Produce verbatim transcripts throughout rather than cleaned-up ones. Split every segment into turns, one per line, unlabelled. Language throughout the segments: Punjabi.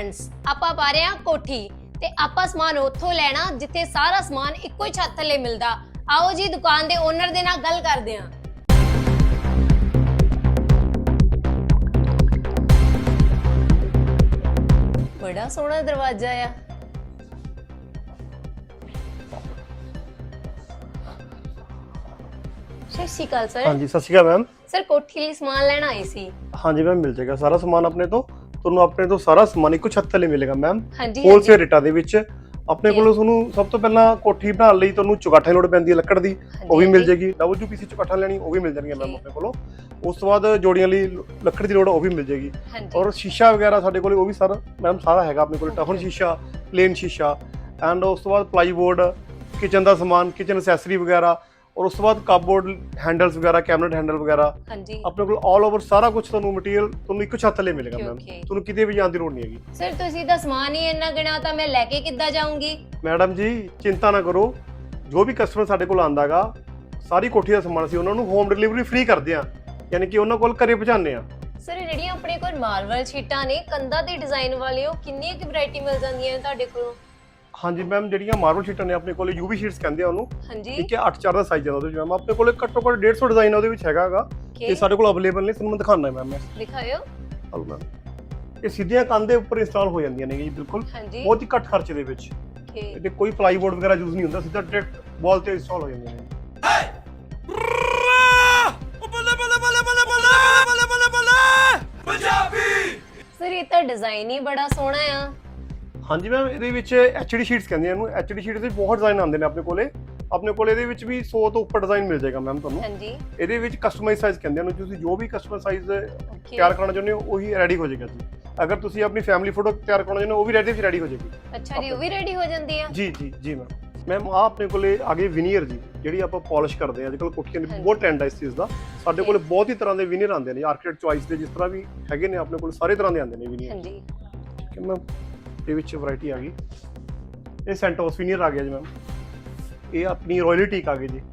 फ्रेंड्स ਆਪਾਂ ਪਾ ਰਹੇ ਹਾਂ ਕੋਠੀ ਤੇ ਆਪਾਂ ਸਮਾਨ ਉੱਥੋਂ ਲੈਣਾ ਜਿੱਥੇ ਸਾਰਾ ਸਮਾਨ ਇੱਕੋ ਹੀ ਛੱਤ ਥੱਲੇ ਮਿਲਦਾ। ਆਓ ਜੀ ਦੁਕਾਨ ਦੇ ਓਨਰ ਦੇ ਨਾਲ ਗੱਲ ਕਰਦੇ ਹਾਂ। बड़ा सोहना दरवाजा आ। सत श्री अकाल सर।
हाँ जी सत श्री अकाल मैम।
सर कोठी ਲਈ ਸਮਾਨ ਲੈਣਾ ਆਈ ਸੀ।
हाँ जी मैम मिल जाएगा सारा समान अपने तो ਤੁਹਾਨੂੰ ਆਪਣੇ ਤੋਂ ਸਾਰਾ ਸਮਾਨ ਇੱਕੋ ਛੱਤ ਥੱਲੇ ਮਿਲੇਗਾ ਮੈਮ।
ਹਾਂਜੀ
ਹੋਲਸੇਲ ਰੇਟਾਂ ਦੇ ਵਿੱਚ ਆਪਣੇ ਕੋਲੋਂ ਤੁਹਾਨੂੰ ਸਭ ਤੋਂ ਪਹਿਲਾਂ ਕੋਠੀ ਬਣਾਉਣ ਲਈ ਤੁਹਾਨੂੰ ਚੁਗਾਠਾਂ ਦੀ ਲੋੜ ਪੈਂਦੀ ਹੈ ਲੱਕੜ ਦੀ, ਉਹ ਵੀ ਮਿਲ ਜਾਏਗੀ। ਡਬਲ ਯੂ ਪੀ ਸੀ ਚੁਗਾਠਾਂ ਲੈਣੀ ਉਹ ਵੀ ਮਿਲ ਜਾਣਗੀਆਂ ਮੈਮ ਆਪਣੇ ਕੋਲੋਂ। ਉਸ ਤੋਂ ਬਾਅਦ ਜੋੜੀਆਂ ਲਈ ਲੱਕੜ ਦੀ ਲੋੜ ਉਹ ਵੀ ਮਿਲ ਜਾਏਗੀ। ਔਰ ਸ਼ੀਸ਼ਾ ਵਗੈਰਾ ਸਾਡੇ ਕੋਲ ਉਹ ਵੀ ਸਰ ਮੈਮ ਸਾਰਾ ਹੈਗਾ ਆਪਣੇ ਕੋਲ। ਟਫਨ ਸ਼ੀਸ਼ਾ, ਪਲੇਨ ਸ਼ੀਸ਼ਾ ਐਂਡ ਉਸ ਤੋਂ ਬਾਅਦ ਪਲਾਈਬੋਰਡ, ਕਿਚਨ ਦਾ ਸਮਾਨ, ਕਿਚਨ ਐਕਸੈਸਰੀ ਵਗੈਰਾ, ਔਰ ਉਸ ਤੋਂ ਬਾਅਦ ਕਪਬੋਰਡ ਹੈਂਡਲਸ ਵਗੈਰਾ, ਕੈਬਨਟ ਹੈਂਡਲ ਵਗੈਰਾ ਆਪਣੇ ਕੋਲ ਆਲ ਓਵਰ ਸਾਰਾ ਕੁਝ ਤੁਹਾਨੂੰ ਮਟੀਰੀਅਲ ਤੁਹਾਨੂੰ ਇੱਕ ਛੱਤ ਥੱਲੇ ਮਿਲੇਗਾ ਮੈਮ। ਤੁਹਾਨੂੰ ਕਿਤੇ ਵੀ ਜਾਣ ਦੀ ਲੋੜ ਨਹੀਂ ਹੈਗੀ।
ਸਰ ਤੁਸੀਂ ਤਾਂ ਸਮਾਨ ਹੀ ਇੰਨਾ ਗਿਣਾ ਤਾਂ ਮੈਂ ਲੈ ਕੇ ਕਿੱਦਾਂ ਜਾਊਂਗੀ?
ਮੈਡਮ ਜੀ ਚਿੰਤਾ ਨਾ ਕਰੋ, ਜੋ ਵੀ ਕਸਟਮਰ ਸਾਡੇ ਕੋਲ ਆਂਦਾਗਾ ਸਾਰੀ ਕੋਠੀ ਦਾ ਸਮਾਨ ਅਸੀਂ ਉਹਨਾਂ ਨੂੰ ਹੋਮ ਡਿਲੀਵਰੀ ਫ੍ਰੀ ਕਰਦੇ ਆ, ਯਾਨੀ ਕਿ ਉਹਨਾਂ ਕੋਲ ਘਰੇ ਪਹੁੰਚਾਉਂਦੇ ਆ।
ਸਰ ਜਿਹੜੀਆਂ ਆਪਣੇ ਕੋਲ ਮਾਰਬਲ ਸ਼ੀਟਾਂ ਨੇ ਕੰਧਾਂ ਤੇ ਡਿਜ਼ਾਈਨ ਵਾਲੇ, ਉਹ ਕਿੰਨੀ ਕੁ ਵੈਰਾਈਟੀ ਮਿਲ ਜਾਂਦੀਆਂ ਨੇ ਤੁਹਾਡੇ ਕੋਲੋਂ?
ਹਾਂਜੀ ਮੈਮ ਜਿਹੜੀਆਂ ਮਾਰਬਲ ਸ਼ੀਟਾਂ ਨੇ ਆਪਣੇ ਕੋਲ ਯੂਵੀ ਸ਼ੀਟਸ ਕਹਿੰਦੇ ਆ ਉਹਨੂੰ।
ਹਾਂਜੀ
ਠੀਕ ਹੈ ਅੱਠ ਚਾਰ ਦਾ ਸਾਈਜ਼ ਹੈ ਉਹਦੇ ਵਿੱਚ ਮੈਮ। ਆਪਣੇ ਕੋਲ ਘੱਟੋ ਘੱਟ ਡੇਢ ਸੌ ਡਿਜ਼ਾਈਨ ਉਹਦੇ ਵਿੱਚ ਹੈਗਾਗਾ ਤੇ ਸਾਡੇ ਕੋਲ ਅਵੇਲੇਬਲ ਨੇ। ਤੁਹਾਨੂੰ ਮੈਂ ਦਿਖਾਉਣਾ ਹੈ ਮੈਮ। ਮੈਂ
ਦਿਖਾਇਓ।
ਹਲੋ ਮੈਮ ਇਹ ਸਿੱਧੀਆਂ ਕੰਧ ਦੇ ਉੱਪਰ ਇੰਸਟਾਲ ਹੋ ਜਾਂਦੀਆਂ ਨੇ ਜੀ ਬਿਲਕੁਲ ਬਹੁਤ ਹੀ ਘੱਟ ਖਰਚੇ ਦੇ ਵਿੱਚ। ਇਹਦੇ ਕੋਈ ਪਲਾਈਬੋਰਡ ਵਗੈਰਾ ਯੂਜ਼ ਨਹੀਂ ਹੁੰਦਾ, ਸਿੱਧਾ ਡਾਇਰੈਕਟ ਵਾਲ ਤੇ ਇੰਸਟਾਲ ਹੋ ਜਾਂਦੀਆਂ ਨੇ।
ਸਰ ਇਹ ਤਾਂ ਡਿਜ਼ਾਈਨ ਹੀ ਬੜਾ ਸੋਹਣਾ ਆ।
ਹਾਂਜੀ ਮੈਮ ਇਹਦੇ ਵਿੱਚ ਐਚਡੀ ਸ਼ੀਟਸ ਕਹਿੰਦੇ ਆ ਇਹਨੂੰ। ਐਚਡੀ ਸ਼ੀਟਸ ਦੇ ਬਹੁਤ ਡਿਜ਼ਾਈਨ ਆਉਂਦੇ ਨੇ ਆਪਣੇ ਕੋਲੇ। ਆਪਣੇ ਕੋਲ ਇਹਦੇ ਵਿੱਚ ਵੀ ਸੌ ਤੋਂ ਉੱਪਰ ਡਿਜ਼ਾਈਨ ਮਿਲ ਜਾਏਗਾ ਮੈਮ ਤੁਹਾਨੂੰ।
ਹਾਂਜੀ
ਇਹਦੇ ਵਿੱਚ ਕਸਟਮਾਈਜ਼ ਸਾਈਜ਼ ਕਹਿੰਦੇ ਆ, ਤੁਸੀਂ ਜੋ ਵੀ ਕਸਟਮਾਈਜ਼ ਸਾਈਜ਼ ਤਿਆਰ ਕਰਨਾ ਚਾਹੁੰਦੇ ਹੋ ਉਹੀ ਰੈਡੀ ਹੋ ਜਾਏਗਾ ਜੀ। ਅਗਰ ਤੁਸੀਂ ਆਪਣੀ ਫੈਮਿਲੀ ਫੋਟੋ ਤਿਆਰ ਕਰਨਾ ਚਾਹੁੰਦੇ ਹੋ ਉਹ ਵੀ ਰੈਡੀ ਰੈਡੀ ਹੋ ਜਾਏਗੀ।
ਅੱਛਾ ਜੀ, ਉਹ ਵੀ ਰੈਡੀ ਹੋ ਜਾਂਦੀ ਆ? ਜੀ
ਜੀ ਜੀ ਮੈਮ। ਮੈਮ ਆ ਆਪਣੇ ਕੋਲੇ ਆਗੇ ਵਿਨੀਅਰ ਜੀ, ਜਿਹੜੀ ਆਪਾਂ ਪਾਲਿਸ਼ ਕਰਦੇ ਆ। ਅੱਜਕੱਲ ਕੋਠੀਆਂ ਦੇ ਬਹੁਤ ਟ੍ਰੈਂਡ ਹੈ ਇਸ ਚੀਜ਼ ਦਾ। ਸਾਡੇ ਕੋਲੇ ਬਹੁਤ ਹੀ ਤਰ੍ਹਾਂ ਦੇ ਵਿਨੀਅਰ ਆਉਂਦੇ ਨੇ, ਆਰਕੀਟੈਕਟ ਚੁਆਇਸ ਦੇ ਜਿਸ ਤਰ੍ਹਾਂ ਵੀ ਹੈਗੇ ਨੇ ਆਪਣੇ ਕੋਲ ਸਾਰੇ ਤਰ੍ਹਾਂ ਦੇ ਆਉਂਦੇ ਨੇ ਵਿਨੀਅਰ।
ਹਾਂਜੀ
ਠੀਕ ਹੈ ਮੈਮ। ਇਹ ਵਿੱਚ ਵੈਰਾਈਟੀ ਆ ਗਈ। ਇਹ ਸੈਂਟੋਸ ਵਿਨੀਅਰ ਆ ਗਿਆ ਜੀ ਮੈਮ। ਇਹ ਆਪਣੀ ਰਾਇਲ ਟੀਕ ਆ ਗਈ ਜੀ।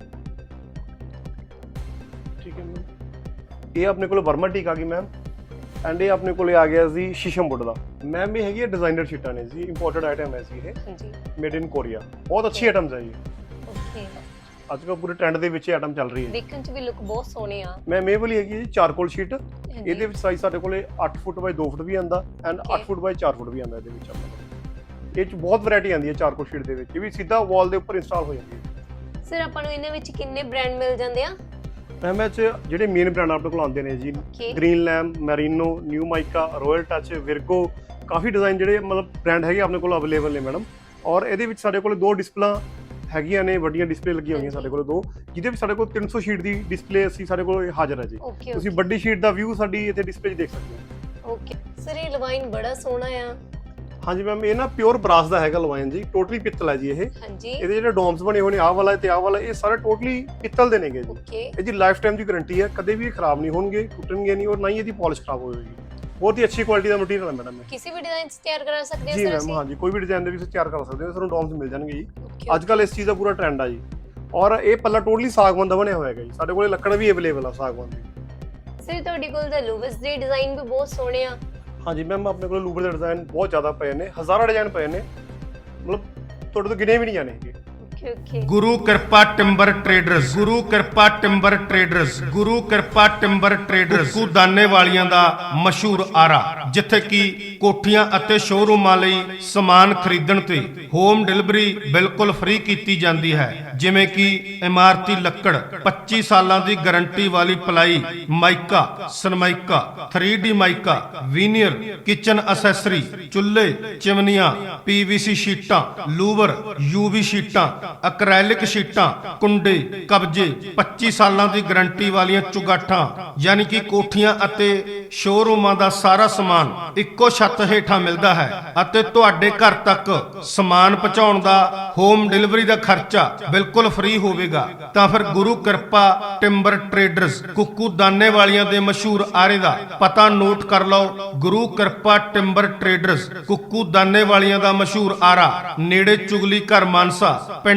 ਠੀਕ ਹੈ ਮੈਮ। ਇਹ ਆਪਣੇ ਕੋਲ ਬਰਮਾ ਟੀਕ ਆ ਗਈ ਮੈਮ। ਐਂਡ ਇਹ ਆਪਣੇ ਕੋਲੇ ਆ ਗਿਆ ਜੀ ਸ਼ੀਸ਼ਮ ਵੁੱਡ ਦਾ ਮੈਮ। ਇਹ ਹੈਗੀ ਡਿਜ਼ਾਈਨਰ ਸ਼ੀਟਾਂ ਨੇ ਜੀ, ਇੰਪੋਰਟਡ ਆਈਟਮ ਹੈ ਜੀ ਇਹ। ਹਾਂਜੀ ਮੇਡ ਇਨ ਕੋਰੀਆ। ਬਹੁਤ ਅੱਛੀ ਆਈਟਮਸ ਹੈ ਜੀ। ਓਕੇ ਅੱਜ ਕੱਲ੍ਹ ਪੂਰੇ ਟ੍ਰੈਂਡ ਦੇ ਵਿੱਚ ਆਈਟਮ ਚੱਲ ਰਹੀ ਹੈ।
ਦੇਖਣ 'ਚ ਵੀ ਲੁੱਕ ਬਹੁਤ ਸੋਹਣੇ ਆ।
ਮੈਮ ਇਹ ਵਾਲੀ ਹੈਗੀ ਜੀ ਚਾਰਕੋਲ ਸ਼ੀਟ। ਇਹਦੇ ਵਿੱਚ ਸਾਈਜ਼ ਸਾਡੇ ਕੋਲੇ ਅੱਠ ਫੁੱਟ ਬਾਈ ਦੋ ਫੁੱਟ ਵੀ ਆਂਦਾ ਐਂਡ ਅੱਠ ਫੁੱਟ ਬਾਈ ਚਾਰ ਫੁੱਟ ਵੀ ਆਂਦਾ। ਇਹਦੇ ਵਿੱਚ ਆਪਣੇ ਕੋਲ ਇਹ 'ਚ ਬਹੁਤ ਵੈਰਾਈਟੀ ਆਂਦੀ ਹੈ ਚਾਰਕੋਲ ਸ਼ੀਟ ਦੇ ਵਿੱਚ। ਇਹ ਵੀ ਸਿੱਧਾ ਵਾਲ ਦੇ ਉੱਪਰ ਇੰਸਟਾਲ ਹੋ ਜਾਂਦੀ ਹੈ।
ਸਰ ਆਪਾਂ ਨੂੰ ਇਹਨਾਂ ਵਿੱਚ ਕਿੰਨੇ ਬ੍ਰਾਂਡ ਮਿਲ ਜਾਂਦੇ ਆ?
ਮੈਮ ਇਹ 'ਚ ਜਿਹੜੇ ਮੇਨ ਬ੍ਰਾਂਡ ਆਪਣੇ ਕੋਲ ਆਉਂਦੇ ਨੇ ਜੀ, Greenlam, Merino, new mica, royal touch, Virgo, ਕਾਫੀ ਡਿਜ਼ਾਈਨ ਜਿਹੜੇ ਮਤਲਬ ਬ੍ਰਾਂਡ ਹੈਗੇ ਆਪਣੇ ਕੋਲ ਅਵੇਲੇਬਲ ਨੇ ਮੈਡਮ। ਔਰ ਇਹਦੇ ਵਿੱਚ ਸਾਡੇ ਕੋਲ ਦੋ ਡਿਸਪਲਾਂ ਹੈਗੀਆਂ ਨੇ, ਵੱਡੀਆਂ ਡਿਸਪਲੇ ਲੱਗੀਆਂ ਹੋਈਆਂ ਸਾਡੇ ਕੋਲ ਦੋ, ਜਿਹਦੇ ਵਿੱਚ ਸਾਡੇ ਕੋਲ ਤਿੰਨ ਸੌ ਸ਼ੀਟ ਦੀ ਡਿਸਪਲੇ ਅਸੀਂ ਸਾਡੇ ਕੋਲ ਹਾਜ਼ਰ ਹੈ ਜੀ। ਤੁਸੀਂ ਵੱਡੀ ਸ਼ੀਟ ਦਾ ਵਿਊ ਸਾਡੀ ਇੱਥੇ ਡਿਸਪਲੇ 'ਚ ਦੇਖ ਸਕਦੇ ਹੋ।
ਓਕੇ ਸਰ ਇਹ ਲਵਾਈਨ ਬੜਾ ਸੋਹਣਾ ਆ। ਹਾਂਜੀ
ਮੈਮ ਇਹ ਨਾ ਪਿਓਰ ਬਰਾਸ ਦਾ ਹੈਗਾ ਲਵਾਈਨ ਜੀ, ਟੋਟਲੀ ਪਿੱਤਲ ਹੈ ਜੀ ਇਹ।
ਹਾਂਜੀ
ਇਹਦੇ ਜਿਹੜੇ ਡੋਮਸ ਬਣੇ ਹੋਏ ਨੇ ਆਹ ਵਾਲਾ ਤੇ ਆਹ ਵਾਲਾ, ਇਹ ਸਾਰੇ ਟੋਟਲੀ ਪਿੱਤਲ ਦੇ ਨੇਗੇ ਜੀ। ਇਹਦੀ ਲਾਈਫ ਟਾਈਮ ਦੀ ਗਾਰੰਟੀ ਹੈ, ਕਦੇ ਵੀ ਖਰਾਬ ਨਹੀਂ ਹੋਣਗੇ, ਟੁੱਟਣਗੇ ਨਹੀਂ, ਔਰ ਨਾ ਹੀ ਇਹਦੀ ਪਾਲਿਸ਼ ਖਰਾਬ ਹੋਵੇਗੀ। ਬਹੁਤ ਹੀ ਅੱਛੀ ਕੁਆਲਿਟੀ ਦਾ ਮਟੀਰੀਅਲ ਹੈ ਮੈਡਮ। ਕਿਸੇ ਵੀ ਡਿਜ਼ਾਈਨ ਤਿਆਰ ਕਰਾ ਸਕਦੇ ਹਾਂ
ਜੀ
ਮੈਮ। ਹਾਂਜੀ ਕੋਈ ਵੀ ਡਿਜ਼ਾਈਨ ਦੇ ਵਿੱਚ ਤਿਆਰ ਕਰ ਸਕਦੇ ਹੋ, ਤੁਹਾਨੂੰ ਡੋਮਸ ਮਿਲ ਜਾਣਗੇ ਜੀ। ਅੱਜ ਕੱਲ ਇਸ ਚੀਜ਼ ਦਾ ਪੂਰਾ ਟ੍ਰੈਂਡ ਆ ਜੀ। ਔਰ ਇਹ ਪੱਲਾ ਟੋਟਲੀ ਸਾਗਵਾਨ ਦਾ ਬਣਿਆ ਹੋਇਆ ਹੈਗਾ ਜੀ। ਸਾਡੇ ਕੋਲੇ ਲੱਕੜ ਵੀ ਅਵੇਲੇਬਲ ਆ ਸਾਗਵਾਨ ਦੀ।
ਸਰ ਤੁਹਾਡੇ ਕੋਲ ਤਾਂ ਲੂਵਸ ਦੇ ਡਿਜ਼ਾਈਨ ਵੀ ਬਹੁਤ ਸੋਹਣੇ ਆ।
ਹਾਂਜੀ ਮੈਮ ਆਪਣੇ ਕੋਲ ਲੂਵਰ ਦੇ ਡਿਜ਼ਾਈਨ ਬਹੁਤ ਜ਼ਿਆਦਾ ਪਏ ਨੇ, ਹਜ਼ਾਰਾਂ ਡਿਜ਼ਾਈਨ ਪਏ ਨੇ, ਮਤਲਬ ਤੁਹਾਡੇ ਤੋਂ ਗਿਣੇ ਵੀ ਨਹੀਂ ਜਾਣੇ ਹੈਗੇ।
ਗੁਰੂ ਕਿਰਪਾ ਟਿੰਬਰ ਟ੍ਰੇਡਰਸ, ਗੁਰੂ ਕਿਰਪਾ ਟਿੰਬਰ ਟ੍ਰੇਡਰਸ, ਗੁਰੂ ਕਿਰਪਾ ਟਿੰਬਰ ਟ੍ਰੇਡਰਸ ਕੁੱਕੂ ਦਾਨੇ ਵਾਲੀਆਂ ਦਾ ਮਸ਼ਹੂਰ ਆਰਾ, ਜਿੱਥੇ ਕਿ ਕੋਠੀਆਂ ਅਤੇ ਸ਼ੋਰੂਮਾਂ ਲਈ ਸਮਾਨ ਖਰੀਦਣ ਤੇ ਹੋਮ ਡਿਲੀਵਰੀ ਬਿਲਕੁਲ ਫ੍ਰੀ ਕੀਤੀ ਜਾਂਦੀ ਹੈ। ਜਿਵੇਂ ਕਿ ਇਮਾਰਤੀ ਲੱਕੜ, ਪੱਚੀ ਸਾਲਾਂ ਦੀ ਗਾਰੰਟੀ ਵਾਲੀ ply, mica, Sunmica, three D mica, veneer, kitchen accessory, ਚੁੱਲ੍ਹੇ, ਚਿਮਨੀਆਂ, ਪੀਵੀਸੀ ਸ਼ੀਟਾਂ, ਲੂਵਰ, ਯੂਵੀ ਸ਼ੀਟਾਂ, ਅਕ੍ਰੈਲਿਕ ਸ਼ੀਟਾਂ, ਕੁੰਡੇ, ਕਬਜੇ, ਪੱਚੀ ਸਾਲਾਂ ਦੀ ਗਾਰੰਟੀ ਵਾਲੀਆਂ ਚੁਗਾਠਾਂ, ਯਾਨੀ ਕਿ ਕੋਠੀਆਂ ਅਤੇ ਸ਼ੋਰੂਮਾਂ ਦਾ ਸਾਰਾ ਸਮਾਨ ਇੱਕੋ ਛੱਤ ਹੇਠਾਂ ਮਿਲਦਾ ਹੈ ਅਤੇ ਤੁਹਾਡੇ ਘਰ ਤੱਕ ਸਮਾਨ ਪਹੁੰਚਾਉਣ ਦਾ ਹੋਮ ਡਿਲੀਵਰੀ ਦਾ ਖਰਚਾ ਬਿਲਕੁਲ ਫ੍ਰੀ ਹੋਵੇਗਾ। ਤਾਂ ਫਿਰ ਗੁਰੂ ਕਿਰਪਾ ਟਿੰਬਰ ਟ੍ਰੇਡਰਸ ਕੁੱਕੂ ਦਾਨੇ ਵਾਲੀਆਂ ਦੇ ਮਸ਼ਹੂਰ ਆਰੇ ਦਾ ਪਤਾ ਨੋਟ ਕਰ ਲਓ। ਗੁਰੂ ਕਿਰਪਾ ਟਿੰਬਰ ਟ੍ਰੇਡਰਸ ਕੁੱਕੂ ਦਾਨੇ ਵਾਲੀਆਂ ਦਾ ਮਸ਼ਹੂਰ ਆਰਾ, ਨੇੜੇ ਚੁਗਲੀ ਘਰ ਮਾਨਸਾ, ਪਿੰਡ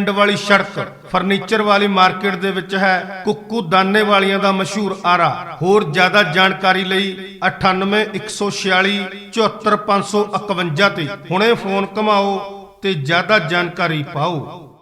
ਪਿੰਡ ਵਾਲੀ ਸੜਕ ਫਰਨੀਚਰ ਵਾਲੀ ਮਾਰਕੀਟ ਦੇ ਵਿੱਚ ਹੈ ਕੁੱਕੂ ਦਾਨੇ ਵਾਲੀਆਂ ਦਾ ਮਸ਼ਹੂਰ ਆਰਾ। ਹੋਰ ਜ਼ਿਆਦਾ ਜਾਣਕਾਰੀ ਲਈ ਅਠਾਨਵੇਂ ਇੱਕ ਸੌ ਛਿਆਲੀ ਚੁਹੱਤਰ ਪੰਜ ਸੌ ਇਕਵੰਜਾ ਤੇ ਹੁਣੇ ਫੋਨ ਘੁਮਾਓ ਤੇ ਜ਼ਿਆਦਾ ਜਾਣਕਾਰੀ ਪਾਓ।